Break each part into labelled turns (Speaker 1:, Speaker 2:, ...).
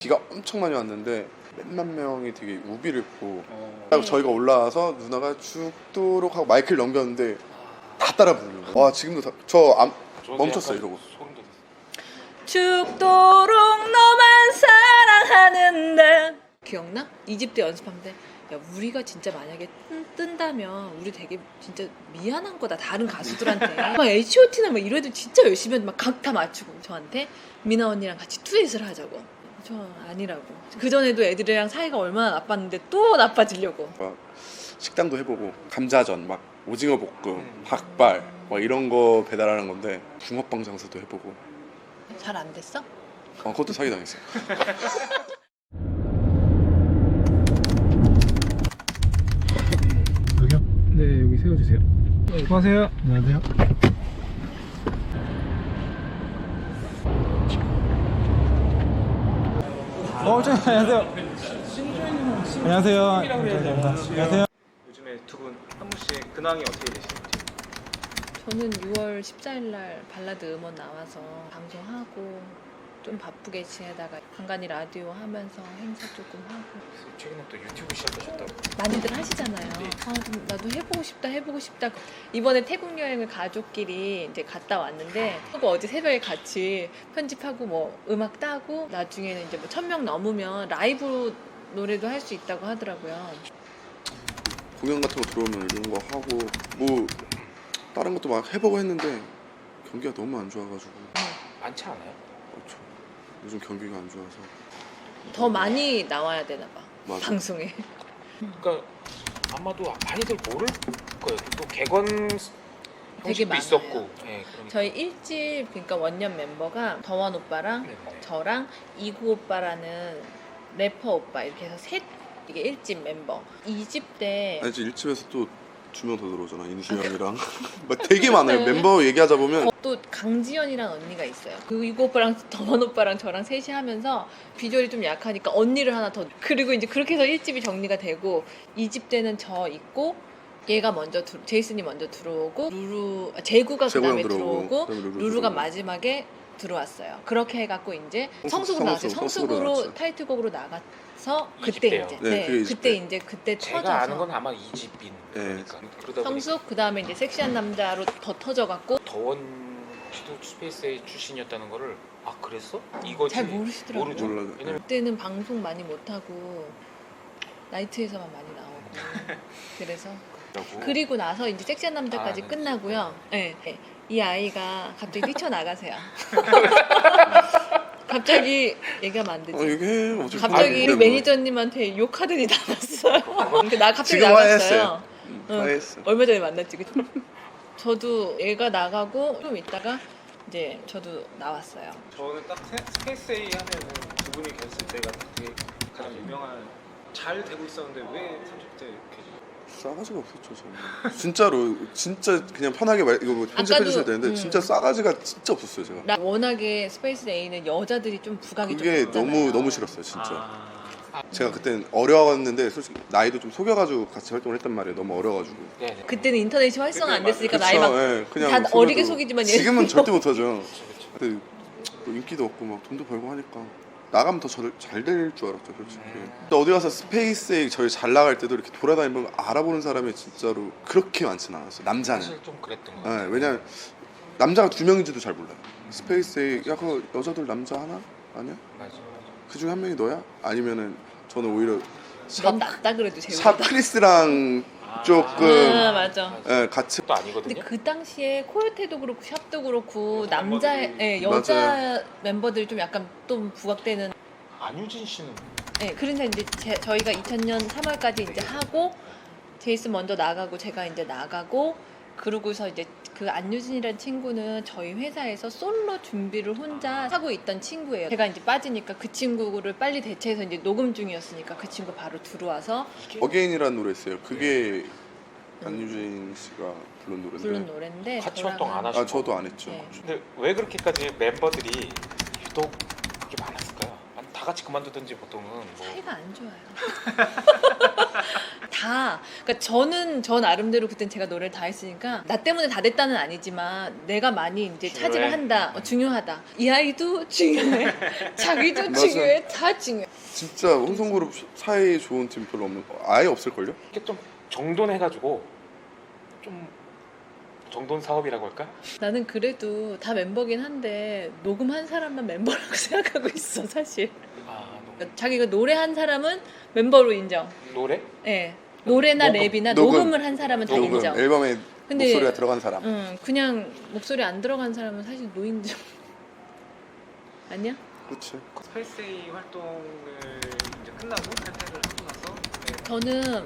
Speaker 1: 비가 엄청 많이 왔는데 몇만 명이 되게 우비를 입고 딱 저희가 올라와서 누나가 죽도록 하고 마이크를 넘겼는데 다 따라 부르는 거예요. 와 지금도 저 멈췄어요 이러고.
Speaker 2: 죽도록 너만 사랑하는데 기억나? 2집 때 연습하는데 야 우리가 진짜 만약에 뜬다면 우리 되게 진짜 미안한 거다 다른 가수들한테 막 H.O.T나 막 이래도 진짜 열심히 막 각 다 맞추고 저한테 미나 언니랑 같이 듀엣을 하자고. 저 아니라고. 그전에도 애들이랑 사이가 얼마나 나빴는데 또 나빠지려고.
Speaker 1: 막 식당도 해보고 감자전 막 오징어 볶음 닭발 막 이런 거 배달하는 건데 붕어빵 장사도 해보고.
Speaker 2: 잘 안 됐어?
Speaker 1: 그것도 사기당했어요.
Speaker 3: 여기요? 네, 여기 세워주세요. 수고하세요. 안녕하세요. 안녕하세요. 안녕하세요. 안녕하세요.
Speaker 4: 요즘에 두 분 한 분씩 근황이 어떻게 되시는지?
Speaker 2: 저는 6월 14일 날 발라드 음원 나와서 방송하고 좀 바쁘게 지내다가 간간히 라디오 하면서 행사 조금 하고.
Speaker 4: 최근에 또 유튜브 시작하셨다고.
Speaker 2: 많이들 하시잖아요. 좀 나도 해보고 싶다. 이번에 태국 여행을 가족끼리 이제 갔다 왔는데 어제 새벽에 같이 편집하고 뭐 음악 따고 나중에는 이제 뭐 1000명 넘으면 라이브 노래도 할 수 있다고 하더라고요.
Speaker 1: 공연 같은 거 들어오면 이런 거 하고 뭐 다른 것도 막 해보고 했는데 경기가 너무 안 좋아가지고.
Speaker 4: 많지 않아요?
Speaker 1: 그렇죠. 요즘 경기가 안 좋아서.
Speaker 2: 더 많이 나와야 되나 봐.
Speaker 1: 맞아.
Speaker 2: 방송에.
Speaker 4: 그러니까 아마도 많이들 모를 거예요. 또 객원
Speaker 2: 되게
Speaker 4: 형식도
Speaker 2: 많아요.
Speaker 4: 있었고. 네, 그러니까.
Speaker 2: 저희 1집 그러니까 원년 멤버가 더원 오빠랑
Speaker 4: 네, 네.
Speaker 2: 저랑 이구 오빠라는 래퍼 오빠 이렇게 해서 이게 1집 멤버. 2집 때
Speaker 1: 아니 이제 1집에서 또 2명 더 들어오잖아. 인수형이랑 막 되게 많아요. 멤버 얘기하자 보면
Speaker 2: 또 강지연이라는 언니가 있어요. 그 이구 오빠랑 더원 오빠랑 저랑 셋이 하면서 비주얼이 좀 약하니까 언니를 하나 더. 그리고 이제 그렇게 해서 1집이 정리가 되고 2집 때는 저 있고 얘가 먼저 제이슨이 먼저 들어오고 제구가
Speaker 1: 제구
Speaker 2: 그다음에
Speaker 1: 형 들어오고,
Speaker 2: 들어오고
Speaker 1: 그다음에 루루
Speaker 2: 루루가
Speaker 1: 들어오고.
Speaker 2: 마지막에 들어왔어요. 그렇게 해갖고 이제
Speaker 1: 성숙,
Speaker 2: 성숙으로 나왔어요.
Speaker 1: 성숙으로
Speaker 2: 성숙으로
Speaker 1: 나왔죠.
Speaker 2: 타이틀곡으로 나가서
Speaker 4: 이집
Speaker 2: 그때
Speaker 4: 때요.
Speaker 2: 이제
Speaker 1: 네, 그게 이집 때.
Speaker 2: 그때
Speaker 4: 제가
Speaker 2: 터져서
Speaker 4: 아는 건 아마 2집인 거니까. 그러다 보니까
Speaker 2: 성숙 그다음에 이제 섹시한 남자로 더 터져갖고
Speaker 4: 더원 씨도 스페이스 A 출신이었다는 거를 그랬어? 이거지?
Speaker 2: 잘 모르시더라고요.
Speaker 4: 모르죠.
Speaker 1: 몰라요.
Speaker 4: 왜냐면
Speaker 2: 그때는 방송 많이 못하고 나이트에서만 많이 나오고 그래서 그리고 나서 이제 섹시한 남자까지
Speaker 4: 네.
Speaker 2: 끝나고요. 네. 이 아이가 갑자기 뛰쳐나가세요. 갑자기 얘기하면 안 되지.
Speaker 1: 얘기해. 어차피
Speaker 2: 갑자기
Speaker 1: 뭐.
Speaker 2: 매니저님한테 욕하더니 나갔어요. 나 갑자기
Speaker 1: 지금
Speaker 2: 나갔어요.
Speaker 1: 화해했어요.
Speaker 2: 응.
Speaker 1: 화해했어.
Speaker 2: 얼마 전에 만났지. 그치? 저도 얘가 나가고 좀 있다가 이제 저도 나왔어요.
Speaker 5: 저는 딱 스페이스 A 하면은 두 분이 계셨을 때가 되게 가장 유명한 잘 되고 있었는데 왜 30대 이렇게
Speaker 1: 싸가지가 없었죠 저는. 진짜로 진짜 그냥 편하게 이거 뭐 편집해 주셔야 되는데 진짜 싸가지가 진짜 없었어요 제가.
Speaker 2: 워낙에 스페이스 A는 여자들이 좀 부각이
Speaker 1: 그게
Speaker 2: 좀 있잖아요.
Speaker 1: 너무 싫었어요 진짜. 제가 그땐 어려웠는데 솔직히 나이도 좀 속여가지고 같이 활동을 했단 말이에요. 너무 어려가지고.
Speaker 4: 네네.
Speaker 2: 그때는 인터넷이 활성화 안 됐으니까
Speaker 1: 그쵸,
Speaker 2: 나이 막
Speaker 1: 예, 그냥
Speaker 2: 다
Speaker 1: 속여도.
Speaker 2: 어리게 속이지만 얘는
Speaker 1: 지금은 절대 못하죠. 근데 뭐 인기도 없고 막 돈도 벌고 하니까 나가면 더 잘 될 줄 알았죠 솔직히. 근데 어디 가서 스페이스에 저희 잘 나갈 때도 이렇게 돌아다니면 알아보는 사람이 진짜로 그렇게 많지는 않았어요. 남자는.
Speaker 4: 사실 좀 그랬던 것
Speaker 1: 예,
Speaker 4: 같아요.
Speaker 1: 왜냐면 남자가 2명인지도 잘 몰라요. 스페이스에 야 그 여자들 남자 하나? 아니야?
Speaker 4: 맞아.
Speaker 1: 그 중에 한 명이 너야? 아니면은 저는 오히려
Speaker 2: 넌 낫다 그래도 재밌다.
Speaker 1: 샵 크리스랑 조금
Speaker 2: 맞아.
Speaker 1: 예, 같이
Speaker 4: 또 아니거든요.
Speaker 2: 근데 그 당시에 코요테도 그렇고 샵도 그렇고 여자
Speaker 1: 맞아요.
Speaker 2: 멤버들이 좀 약간 좀 부각되는.
Speaker 4: 안유진 씨는
Speaker 2: 그래서 이제 저희가 2000년 3월까지 이제 하고 제이슨 먼저 나가고 제가 이제 나가고 그러고서 이제 그 안유진이라는 친구는 저희 회사에서 솔로 준비를 혼자 하고 있던 친구예요. 제가 이제 빠지니까 그 친구를 빨리 대체해서 이제 녹음 중이었으니까 그 친구 바로 들어와서
Speaker 1: 어게인이라는 노래 있어요. 그게 안유진 씨가 부른 노래인데.
Speaker 2: 부른 노래인데
Speaker 4: 같이
Speaker 2: 저랑은-
Speaker 4: 활동 안 하시고.
Speaker 1: 저도 안 했죠.
Speaker 2: 네.
Speaker 4: 근데 왜 그렇게까지 멤버들이 유독 그렇게 많았을까요? 다 같이 그만두든지 보통은 뭐
Speaker 2: 사이가 안 좋아요. 다. 그러니까 저는 저 나름대로 그땐 제가 노래를 다 했으니까 나 때문에 다 됐다는 아니지만 내가 많이 이제 차지를
Speaker 4: 중요해.
Speaker 2: 한다. 중요하다. 이 아이도 중요해. 자기도
Speaker 1: 맞아.
Speaker 2: 중요해. 다 중요해.
Speaker 1: 진짜 혼성그룹 사이 좋은 팀 별로 없는 거 아예 없을걸요?
Speaker 4: 이게 좀 정돈해가지고 좀 정돈 사업이라고 할까?
Speaker 2: 나는 그래도 다 멤버긴 한데 녹음한 사람만 멤버라고 생각하고 있어 사실. 그러니까 자기가 노래한 사람은 멤버로 인정.
Speaker 4: 노래?
Speaker 2: 예. 노래나
Speaker 4: 녹음.
Speaker 2: 랩이나
Speaker 1: 녹음.
Speaker 2: 녹음을 한 사람은 다
Speaker 1: 녹음
Speaker 2: 인정.
Speaker 1: 앨범에
Speaker 2: 근데-
Speaker 1: 목소리가 들어간 사람.
Speaker 2: 그냥 목소리 안 들어간 사람은 사실 노인정. 아니야?
Speaker 1: 그렇지.
Speaker 5: 스페이스A 활동을 이제 끝나고 탈퇴를 하고 나서 네.
Speaker 2: 저는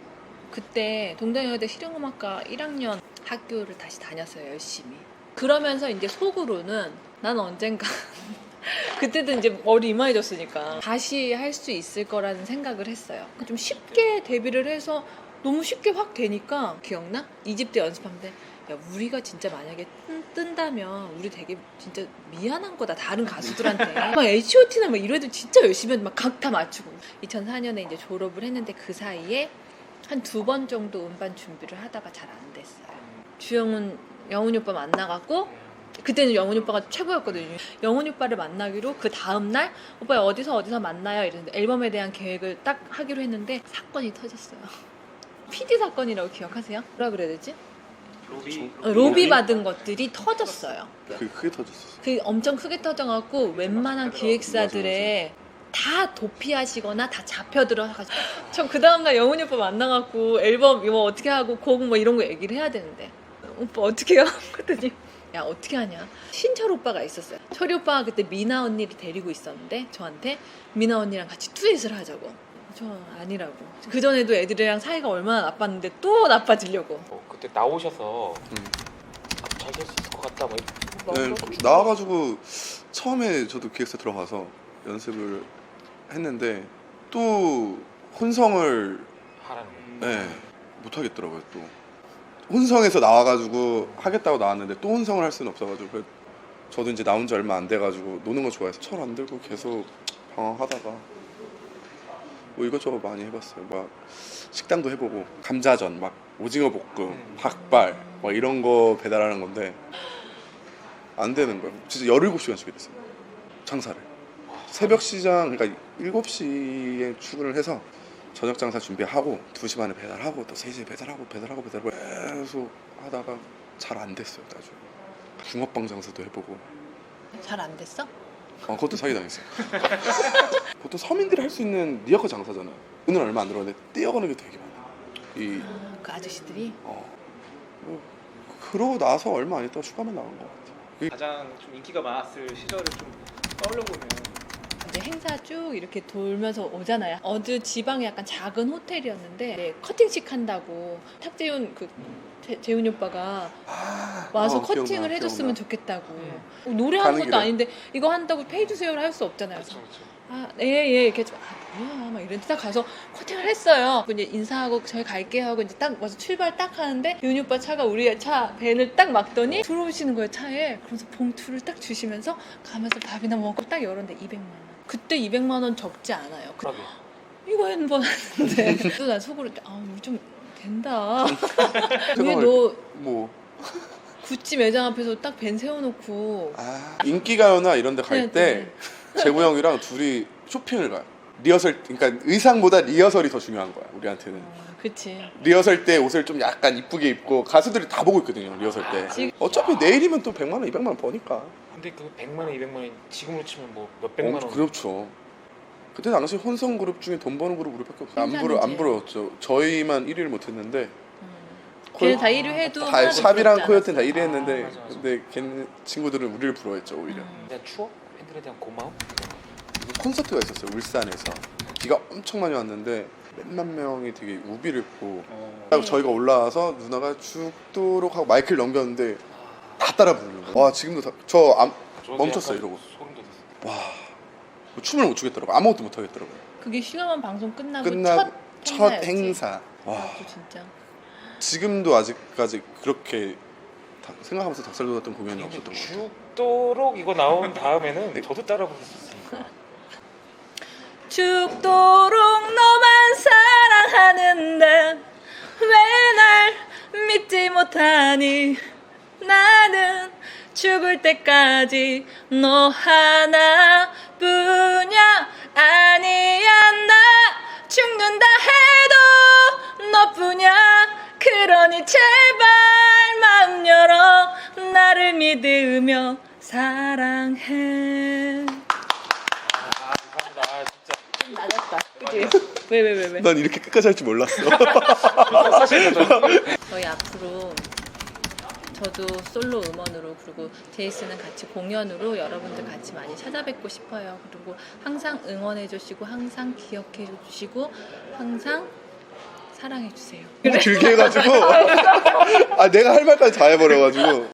Speaker 2: 그때 동덕여대 실용음악과 1학년 학교를 다시 다녔어요 열심히. 그러면서 이제 속으로는 난 언젠가 그때도 이제 머리 이마해졌으니까 다시 할 수 있을 거라는 생각을 했어요. 좀 쉽게 데뷔를 해서 너무 쉽게 확 되니까 기억나? 2집 때 연습하는데 야 우리가 진짜 만약에 뜬다면 우리 되게 진짜 미안한 거다 다른 가수들한테. 막 H.O.T나 막 이래도 진짜 열심히 막 각 다 맞추고 2004년에 이제 졸업을 했는데 그 사이에 한 2번 정도 음반 준비를 하다가 잘 안 됐어요. 주영훈 영훈이 오빠 만나갖고 그때는 영훈이 오빠가 최고였거든요. 영훈이 오빠를 만나기로 그 다음날 오빠 어디서 만나요 이랬는데 앨범에 대한 계획을 딱 하기로 했는데 사건이 터졌어요. PD 사건이라고 기억하세요? 뭐라 그래야 되지? 로비 받은 것들이 터졌어요.
Speaker 1: 그게 크게 터졌어.
Speaker 2: 그 엄청 크게 터져갖고 웬만한 기획사들의 다 도피하시거나 다 잡혀 들어가지고 전 그 다음날 영훈이 오빠 만나갖고 앨범 이거 어떻게 하고 곡 뭐 이런 거 얘기를 해야 되는데 오빠 어떻게 해요? 그랬더니 야 어떻게 하냐 신철 오빠가 있었어요. 철이 오빠가 그때 미나 언니를 데리고 있었는데 저한테 미나 언니랑 같이 듀엣을 하자고. 저 아니라고. 그전에도 애들이랑 사이가 얼마나 나빴는데 또 나빠지려고.
Speaker 4: 그때 나오셔서 잘 될 수 있을 것 같다 뭐
Speaker 1: 네, 나와가지고 처음에 저도 기획사 들어가서 연습을 했는데 또 혼성을
Speaker 4: 하라는
Speaker 1: 네, 못 하겠더라고요. 또 혼성에서 나와가지고 하겠다고 나왔는데 또 혼성을 할 수는 없어가지고 저도 이제 나온 지 얼마 안 돼가지고 노는 거 좋아해서 철 안 들고 계속 방황하다가 뭐 이것저것 많이 해봤어요. 막 식당도 해보고 감자전, 막 오징어 볶음, 닭발 막 이런 거 배달하는 건데 안 되는 거예요. 진짜 17시간씩 일했어요. 장사를. 새벽 시장 그러니까 7시에 출근을 해서 저녁 장사 준비하고 2시 반에 배달하고 또 3시에 배달하고 계속 하다가 잘 안 됐어요. 나중에 붕어빵 장사도 해보고
Speaker 2: 잘 안 됐어?
Speaker 1: 그것도 사기당했어요. 보통 서민들이 할 수 있는 리어커 장사잖아요. 돈은 얼마 안 들었는데 떼어가는 게 되게 많아요.
Speaker 2: 그 아저씨들이
Speaker 1: 뭐 그러고 나서 얼마 안 있다가 휴가만 나간 것 같아요.
Speaker 5: 가장 좀 인기가 많았을 시절을 좀 떠올려보면
Speaker 2: 이제 행사 쭉 이렇게 돌면서 오잖아요. 어느 지방에 약간 작은 호텔이었는데 네, 커팅식 한다고 탁재훈 재훈이 오빠가 와서 커팅을
Speaker 1: 기억나,
Speaker 2: 해줬으면
Speaker 1: 기억나.
Speaker 2: 좋겠다고. 노래하는
Speaker 1: 가는
Speaker 2: 것도
Speaker 1: 길에.
Speaker 2: 아닌데 이거 한다고 페이 주세요를 할 수 없잖아요. 그래서
Speaker 4: 그렇죠.
Speaker 2: 예 이렇게 좀, 뭐야 막 이랬는데 딱 가서 커팅을 했어요. 이제 인사하고 저희 갈게요 하고 이제 딱 와서 출발 딱 하는데 윤이 오빠 차가 우리 차 밴을 딱 막더니 들어오시는 거예요 차에. 그래서 봉투를 딱 주시면서 가면서 밥이나 먹고 딱 열었는데 200만 원. 그때 200만 원 적지 않아요.
Speaker 4: 그러게
Speaker 2: 이거 한번 하는데 또 난 속으로 우리 좀 된다. 왜
Speaker 1: 잠깐만,
Speaker 2: 너
Speaker 1: 뭐
Speaker 2: 구찌 매장 앞에서 딱 밴 세워놓고
Speaker 1: 인기가요나 이런 데 갈 때 재구 형이랑 둘이 쇼핑을 가요. 리허설 그러니까 의상보다 리허설이 더 중요한 거야 우리한테는.
Speaker 2: 그치.
Speaker 1: 리허설 때 옷을 좀 약간 이쁘게 입고 가수들이 다 보고 있거든요 리허설 때.
Speaker 2: 지금-
Speaker 1: 어차피 내일이면 또 100만 원 200만 원 버니까.
Speaker 4: 근데 그 100만 원 200만 원 지금으로 치면 뭐 몇백만 원
Speaker 1: 그렇죠. 그때 당시 혼성 그룹 중에 돈 버는 그룹 우리밖에 없어요.
Speaker 2: 혼자는
Speaker 1: 안 부러웠죠. 저희만 1위를 못했는데
Speaker 2: 걔는 다 1위 해도
Speaker 1: 다
Speaker 2: 하나도
Speaker 1: 샵이랑
Speaker 2: 부럽지
Speaker 1: 코요테는 다
Speaker 2: 않았어.
Speaker 1: 1위 했는데
Speaker 4: 맞아.
Speaker 1: 근데 걔네 친구들은 우리를 부러워했죠 오히려.
Speaker 4: 그냥 추억? 팬들에 대한 고마움?
Speaker 1: 콘서트가 있었어요 울산에서. 비가 엄청 많이 왔는데 몇만 명이 되게 우비를 입고
Speaker 2: 네.
Speaker 1: 저희가 올라와서 누나가 죽도록 하고 마이크를 넘겼는데 다 따라 부르는 거예요. 와 지금도 저
Speaker 4: 저도
Speaker 1: 멈췄어요
Speaker 4: 약간
Speaker 1: 이러고.
Speaker 4: 소름 돋았어요.
Speaker 1: 와 춤을 못 추겠더라고. 아무것도 못 하겠더라고요.
Speaker 2: 그게 슈가만 방송 끝나고
Speaker 1: 첫
Speaker 2: 행사였지.
Speaker 1: 행사. 와
Speaker 2: 또 진짜.
Speaker 1: 지금도 아직까지 그렇게 생각하면서 닭살 돋았던 공연이
Speaker 4: 근데
Speaker 1: 없었던 것 같아요.
Speaker 4: 죽도록 이거 나온 다음에는 저도 따라 부를 수 있으니까
Speaker 2: 죽도록 너만 사랑하는데 못하니 나는 죽을 때까지 너 하나뿐이야. 아니야 나 죽는다 해도 너뿐이야. 그러니 제발 마음 열어 나를 믿으며 사랑해.
Speaker 4: 감사합니다. 아, 진짜.
Speaker 2: 맞았다. 그치? 왜?
Speaker 1: 난 이렇게 끝까지 할 줄 몰랐어.
Speaker 2: 저희 앞으로 저도 솔로 음원으로 그리고 제이슨은 같이 공연으로 여러분들 같이 많이 찾아뵙고 싶어요. 그리고 항상 응원해 주시고 항상 기억해 주시고 항상 사랑해 주세요.
Speaker 1: 너무 길게 해가지고 아 내가 할 말까지 다 해버려가지고